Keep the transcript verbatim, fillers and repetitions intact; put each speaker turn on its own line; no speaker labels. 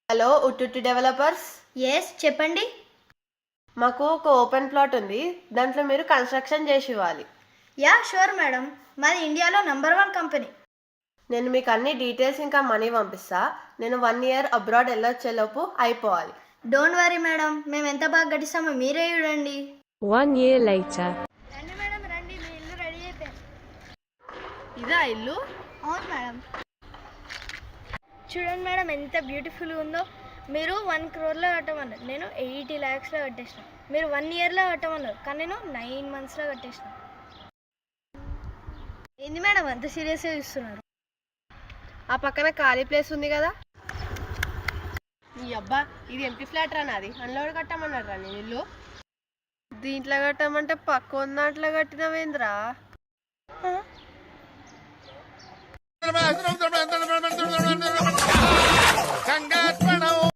Hello ఉట్టుట్టి developers.
Yes చెప్పండి.
మాకు ఒక ఓపెన్ ప్లాట్ ఉంది, దాంట్లో మీరు కన్స్ట్రక్షన్ చేసి ఇవ్వాలి.
యా షూర్ మేడం, మాది ఇండియాలో నంబర్ వన్ కంపెనీ.
నేను మీకు అన్ని డీటెయిల్స్ ఇంకా మనీ పంపిస్తా. నేను వన్ ఇయర్ అబ్రాడ్ వెళ్ళొచ్చేలోపు అయిపోవాలి.
డోంట్ వరీ మేడం, మేము ఎంత బాగా గడిస్తామో మీరే చూడండి.
One year later.
రండి మేడం రండి, మీ ఇల్లు రెడీ అయిపోయింది.
ఇదా ఇల్లు?
అవును మేడం. చూడండి మేడం ఎంత బ్యూటిఫుల్గా ఉందో. మీరు వన్ క్రోర్లో కట్టమన్నారు, నేను ఎయిటీ ల్యాక్స్లో కట్టేసిన. మీరు వన్ ఇయర్లో కట్టమన్నారు, కానీ నేను నైన్ మంత్స్లో కట్టేసిన. ఏంది మేడం అంత సీరియస్గా చూస్తున్నారు?
ఆ పక్కన ఖాళీ ప్లేస్ ఉంది కదా. ఈ అబ్బా, ఇది ఎంపీ ఫ్లాట్ రా నాది. అందులో కట్టమన్నారు రా నేను ఇల్లు. దీంట్లో కట్టమంటే పక్క దాంట్లో కట్టినవేంద్రా?
Terima kasih.